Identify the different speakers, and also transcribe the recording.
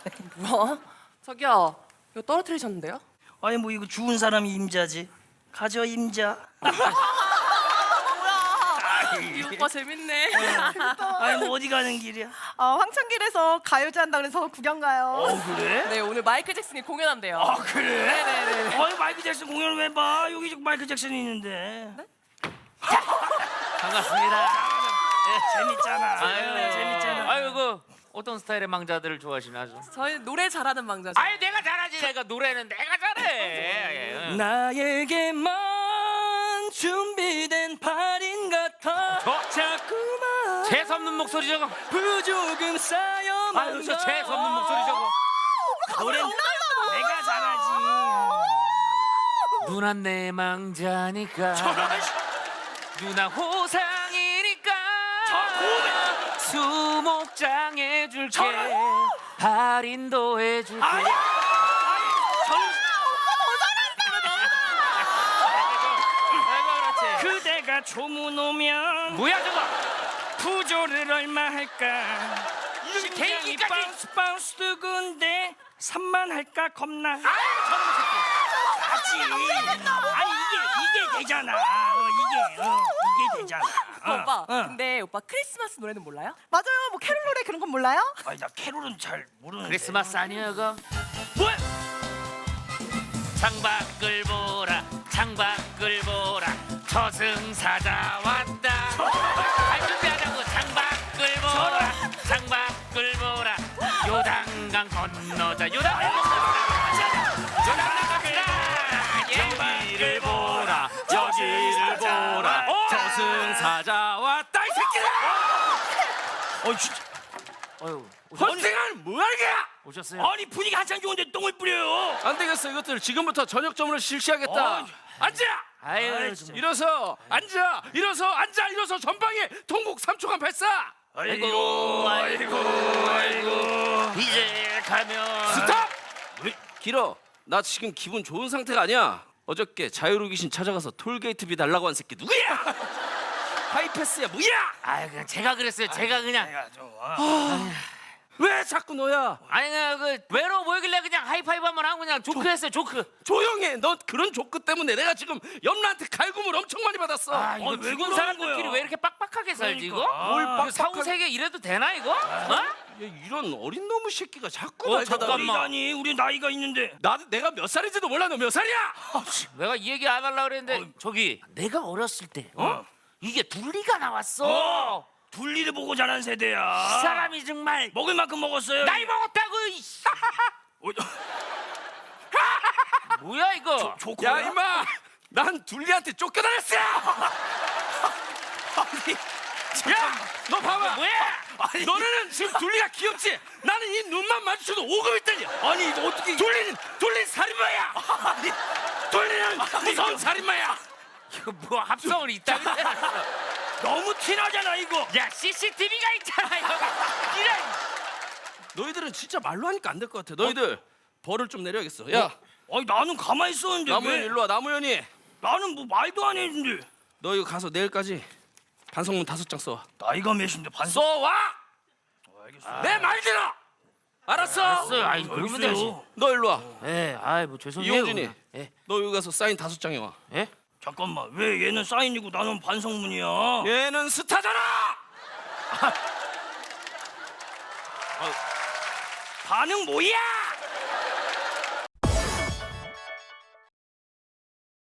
Speaker 1: 뭐야? 저기요, 이거 떨어뜨리셨는데요?
Speaker 2: 아니 뭐 이거 죽은 사람이 임자지. 가져 임자.
Speaker 1: 이 오빠 재밌네.
Speaker 2: 아니 뭐 어디 가는 길이야?
Speaker 3: 황천길에서 가요제 한다 그래서 구경 가요.
Speaker 2: 그래?
Speaker 1: 네, 오늘 마이클 잭슨이 공연한대요.
Speaker 2: 아 그래?
Speaker 1: 네네네.
Speaker 2: 아니 마이클 잭슨 공연 왜 봐? 여기 지금 마이클 잭슨이 있는데.
Speaker 1: 네?
Speaker 4: 반갑습니다.
Speaker 2: 재밌잖아. 재밌잖아.
Speaker 4: 아유 그 어떤 스타일의 망자들을 좋아하시나요?
Speaker 1: 저희 노래 잘하는 망자죠.
Speaker 4: 아유 내가 잘하지. 내가 노래는 내가 잘해.
Speaker 2: 나에게만 준비된 발인 같아. 자꾸만
Speaker 4: 재수 없는 목소리 저거.
Speaker 2: 부조금 쌓여만.
Speaker 4: 아유 저 재수 없는 목소리 저거.
Speaker 2: 노래 내가 잘하지.
Speaker 4: 누나 내 망자니까. 누나 호상이니까. 수목장 해줄게. 할인도 해줄게.
Speaker 2: 그대가 조문 오면
Speaker 4: 뭐야 저거?
Speaker 2: 부조를 얼마 할까? 심장이
Speaker 4: 개인기까지.
Speaker 2: 바운스 바운스 두근데 3만 할까 겁나. 하지. 아니 이게 되잖아. 이게 되잖아.
Speaker 1: 오빠, 근데 오빠 크리스마스 노래는 몰라요?
Speaker 3: 맞아요. 뭐 캐롤 노래 그런 건 몰라요?
Speaker 2: 아니 나 캐롤은 잘 모르는데.
Speaker 4: 크리스마스 아니야 그?
Speaker 2: 뭐야?
Speaker 4: 창밖을 보라 창밖을 보라 저승사자 왔다. 할 준비하자고. 창밖을 보라 창밖을 보라 요단강 건너자 요단강 여기를 보라 여기를 보라 저승사자 왔다 이 새끼들.
Speaker 2: 진짜.
Speaker 4: 어휴
Speaker 2: 헌생은 뭐하는 거야?
Speaker 4: 오셨어요?
Speaker 2: 아니 분위기 한창 좋은데 똥을 뿌려요.
Speaker 5: 안 되겠어. 이것들 지금부터 저녁점으로 실시하겠다. 앉아.
Speaker 4: 아유 좀.
Speaker 5: 일어서 앉아. 일어서 앉아. 일어서 전방에 통곡 3초간 발사.
Speaker 2: 아이고.
Speaker 4: 이제 가면
Speaker 5: 스탑. 길어. 나 지금 기분 좋은 상태가 아니야. 어저께 자유로 귀신 찾아가서 톨게이트비 달라고 한 새끼 누구야? 하이패스야 뭐야?
Speaker 4: 아유 그냥 제가 그랬어요. 제가 그냥
Speaker 5: 왜 자꾸 너야?
Speaker 4: 아니 그냥 그 외로워 보이길래 그냥 하이파이브 한번 하고 그냥 조크했어요. 조크.
Speaker 5: 조용해. 너 그런 조크 때문에 내가 지금 염라한테 갈굼을 엄청 많이 받았어.
Speaker 4: 아 이거
Speaker 2: 왜
Speaker 4: 죽은
Speaker 2: 그러는
Speaker 4: 사람들끼리
Speaker 2: 거야?
Speaker 4: 왜 이렇게 빡빡하게 살지 이거?
Speaker 2: 그러니까.
Speaker 5: 뭘
Speaker 4: 이거
Speaker 5: 빡빡하게-
Speaker 4: 사후세계 이래도 되나 이거? 어?
Speaker 5: 야, 이런 어린 놈의 새끼가 자꾸 날
Speaker 4: 잠깐만.
Speaker 2: 우리다니 우리 나이가 있는데.
Speaker 5: 내가 몇 살인지도 몰라. 너 몇 살이야?
Speaker 4: 내가 이 얘기 안 하려고 그랬는데 저기 내가 어렸을 때 이게 둘리가 나왔어.
Speaker 2: 둘리를 보고 자란 세대야.
Speaker 4: 이 사람이 정말
Speaker 2: 먹을 만큼 먹었어요.
Speaker 4: 나이 먹었다고. 이씨. 뭐야 이거?
Speaker 2: 좋고요.
Speaker 5: 야 임마. 난 둘리한테 쫓겨다녔어. 야, 너 봐봐.
Speaker 4: 뭐야?
Speaker 5: 너네는 지금 둘리가 귀엽지? 나는 이 눈만 마주쳐도 오금이 떨려.
Speaker 2: 아니 이거 어떻게?
Speaker 5: 둘리는 살인마야. 둘리는 무서운 살인마야.
Speaker 4: 이거 뭐 합성을 이따위 해놨어.
Speaker 2: 너무 티나잖아 이거.
Speaker 4: 야 CCTV가 있잖아 이거. 이런.
Speaker 5: 너희들은 진짜 말로 하니까 안 될 것 같아. 너희들 벌을 좀 내려야겠어. 야,
Speaker 2: 아니 나는 가만히 있었는데
Speaker 5: 나무현
Speaker 2: 왜?
Speaker 5: 일로 와. 나무현이.
Speaker 2: 나는 뭐 말도 안 했는데.
Speaker 5: 너 이거 가서 내일까지 반성문 5장 써.
Speaker 2: 나이가 몇인데 반성?
Speaker 5: 써와.
Speaker 2: 알겠어.
Speaker 5: 내 말 들어. 알았어.
Speaker 4: 알았어. 아이 그러면 되지.
Speaker 5: 너 일로 와.
Speaker 4: 예, 아이 뭐 죄송해요.
Speaker 5: 이용진이.
Speaker 4: 그냥. 예,
Speaker 5: 너 여기 가서 사인 5장 해와.
Speaker 4: 예?
Speaker 2: 잠깐만 왜 얘는 사인이고 나는 반성문이야?
Speaker 5: 얘는 스타잖아.
Speaker 2: 반응 뭐야?